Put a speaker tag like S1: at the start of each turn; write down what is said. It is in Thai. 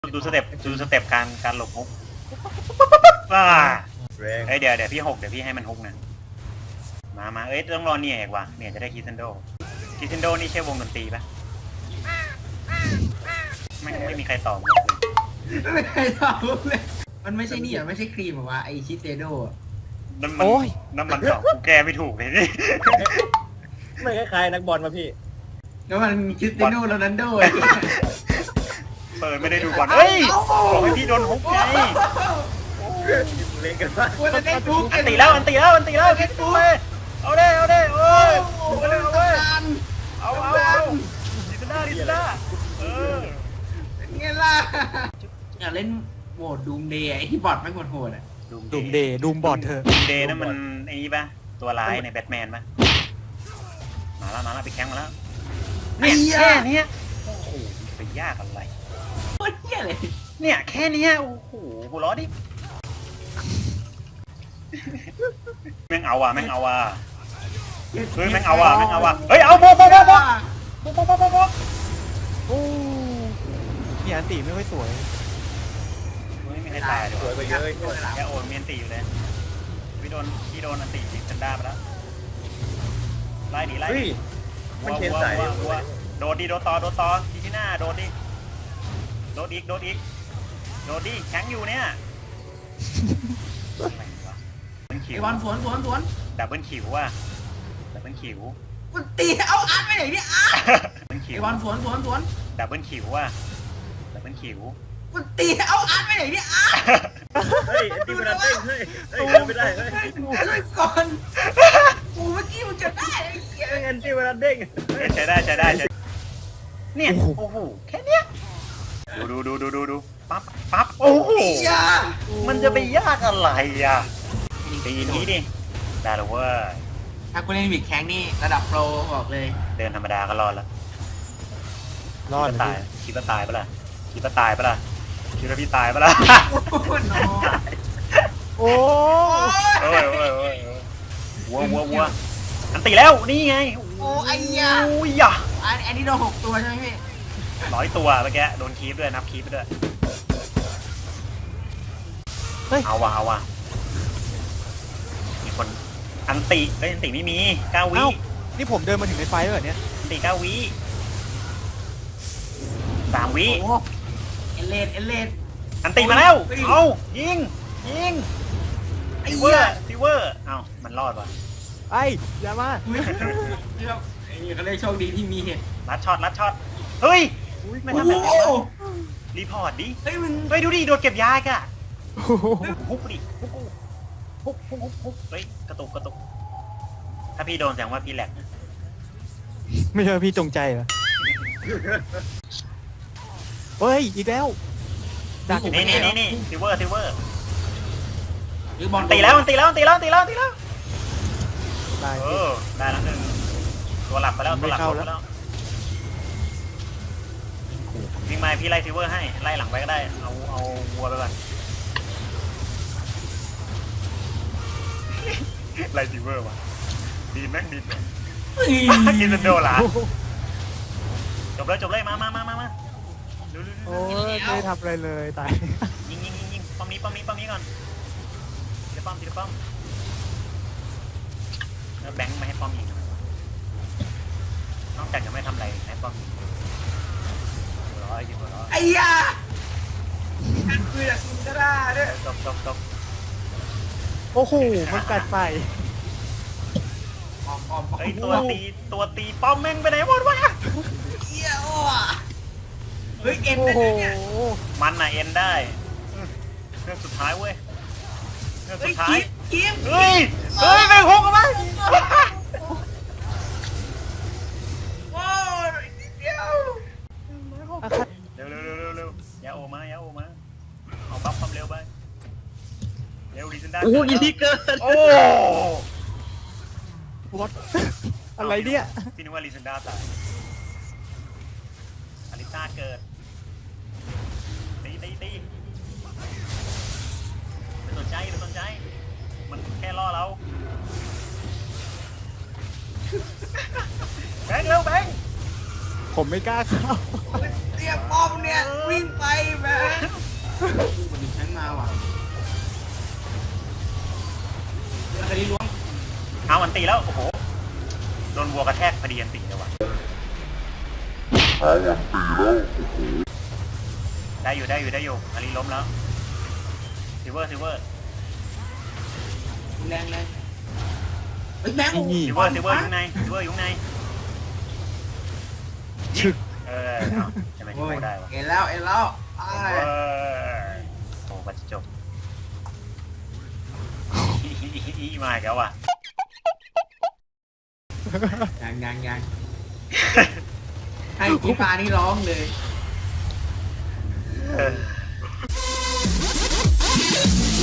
S1: ดูสเต็ปการหลบฮุก
S2: แรง
S1: เดี๋ยวพี่หกเดี๋ยวพี่ให้มันฮุกนะมาต้องรอเนี่ยเอกว่ะเนี่ยจะได้คิเซนโดนี่ใช่วงดนตรีปะไม่มีใครตอบเลย
S3: ไม่เคยตอบเลยมันไม่ใช่นี่อ่ะไม่ใช่ครีมหรอวะไอชิเซโด
S1: น้ำมันตอบกูแกไม่ถูกเลยนี่
S2: ไม่คล้ายๆนักบอลมาพี่
S3: แล้วมันชิเซโดโรนัลโด
S1: เปิดไม่ได้ดูบอลเฮ้ยบอกให้พี่โดนฮุกไง
S2: เล่นกันมาก
S3: มันจะได้ทุก
S1: อันตีแล้วคิดดูเลยเอาเด้โอ้ยเอาเลยเอาดิสนาเออ
S3: ไงล่ะอยากเล่นโหมดดูมเดย์ไอที่บอทไม่โหดอ่ะ
S4: ดูมเดย์ดูมบอดเธอ
S1: ดูมเดย์นั่นมันไอ้นี่ปะตัวร้ายในแบทแมนปะมาแล้วไปแข่งมาแล้วเนี่ยแค่นี้โอ้โหไปยากอะไร
S3: โคตรเหี้ยเลย
S1: เนี่ยแค่นี้โอ้โหหัวล้อดิแม่งเอาว่ะเฮ้ยแม่งเอาว่ะเฮ้ยเอาโบ
S4: โอ้เนี่ยอันตีไม่ค่อยสวย
S1: ไม่มีใครตายเลย
S2: สวยไปเยอะ
S1: แค่โอนเมียนตีอยู่เลยพี่โดนอันตีจินด้าไปแล้วไล่
S2: เฮ้ยมันเชนสาย
S1: วัวโดดต่อที่หน้าโดดอีกแข็งอยู่เนี่ย
S3: ไอบอลสวน
S1: ดับเบิลคิวว่ะดับเบิลคิว
S3: มันตีเอาอาร์ตไปไหนเนี่ยอาร์ต
S1: ดับเบิลคิ
S3: ไอ
S1: ว
S3: บอลสวน
S1: ดับเบิลคิวว่ะดับเบิลคิว
S3: มันตีเอาอาร์ตไปไหนเนี่ยอาร์ต
S2: เฮ้ยอันนี้มันเด้งเฮ้ยไม่ได้เฮ้ย
S3: ช่วยก่อนกูเมื่อกี้มันจะได้ไอ้เหี้ย
S2: อันนี้มันเด้ง
S1: ใช้ได้เนี่ยโอ้โหแค่เนี้ยดูปั๊บโอ้โหมันจะไปยากอะไรอ่ะตีนี้ดิได้หรอเว้ย
S3: ถ้ากูเล่นบิดแข้งนี่ระดับโปรบอกเลย
S1: เดินธรรมดาก็รอดแล้ว
S4: รอด
S1: คิดว่าตายปะล่ะคิดว่าพี่ตายปะล่ะ
S3: โอ้โห
S4: โอ้
S1: วัวอันตีแล้วนี่ไง
S3: โอ้ไอ้ยา
S1: โอ้ยอ่ะ
S3: อันนี้โดน6 ตัวใช่ไหมพี่
S1: 100 ตัวเมื่อกี้โดนคีฟด้วยนับคีฟไปด้วยเอาว่ะมีคนอันติไม่มี9 วิ
S4: นี่ผมเดินมาถึงในไฟแล้วเหรอเนี่ย
S1: อันติ9 วิ3 วิ
S3: โอ้เอเลน
S1: อันติมาแล้วเอายิง
S3: ไอ้
S1: ซิ
S3: เหี้ย
S1: เวอร์เอามันรอดว่ะ
S4: ไอ้อย่ามา
S3: ไอ้นี่เขาเรียกโชคดีที่มีเหตุ
S1: ลัดช็อตเฮ้ยไม่ทำแบบนี้รีพอร์ตดิ
S3: เฮ้ยมึง
S1: เฮ้ยดูดิโดนเก็บยาอีกอะฮุกดิฮุกเฮ้ยกระตุกถ้าพี่โดนแสดงว่าพี่แหลก
S4: ไม่ใช่พี่จงใจเหรอเฮ้ยอีกแล้วดัก
S1: นี่ซิเวอร์
S3: หรือบอล
S1: ตีแล้ว
S4: ได้
S1: ได้แล้วหนึ่งตัวหลับไปแล้ววิ่งมาพี่ไล่ซิเวอร์ให้ไล่หลังไปก็ได้เอาวัวไปก่อนไล่ซิเวอร์ว่ะดีแม็กดินกินโดนละจบเลยมาดู
S4: โอ้ยไม่ได้ทำอะไรเลยตาย
S1: ยิงป้อมนี้ก่อนทีละป้อมแล้วแบงค์ไม่ให้ป้อมยิงนอกจากจะไม่ทำอะไรให้ป้อมยิงหัวร้อย
S3: ไอ้ยากันคืออยากกินก็ได้ด้วย
S1: จบ
S4: โอ้โหมันกัดไป
S3: ออม
S1: เฮ้ยตัวตีป้อมแม่งไปไหนหมดวะ
S3: เหี้ยโอ้เฮ้ยเอ็น
S4: โอ้
S3: ได้
S4: โห
S3: เนี่ย
S1: มันน่ะเอ็นได้เรื่องสุดท้ายเว้ยเรื่อง
S3: เฮ้
S1: สุ
S3: ย
S1: ดท้าย
S3: กิม
S1: เฮ้ยแม่งหกกันไหม
S3: โอ้ยนิดเดียว
S1: เร็วอย่าโอมาเอาบัฟความเร็วไปเร็วดิซันด้า
S2: โอ้ยที่เกิน
S1: โอ้
S4: วอตอะไรเนี่ย
S1: พี่นึกว่าลิซันด้าตายอลิซ่าเกิดตีไม่สนใจมันแค่ล่อเราแบงค์เร็วแบงค์
S4: ผมไม่กล้าเข้า
S3: เรียกป้อมเนี่ยวิ่งไปแม่วันนี้ฉันมาว่ะคดีล้วง
S1: เอาอันตีแล้ว โอ้โห โดนวัวกระแทกพอดีอันตีเลยว่ะได้อยู่อารีล้มแล้วซิเวอร์
S3: แรงเฮ้ยแบงค์
S1: ซิเวอร์อยู่ข้างใน
S4: ชึก
S1: เอาจะไม่
S3: โอ้ย
S1: ได้วะ
S3: เอ็นแล้วไอ้
S1: โอ้ปัจจบมาอีกแล้วว่ะ
S3: ยังให้กีฟ้านี่ร้องเลย
S1: เออ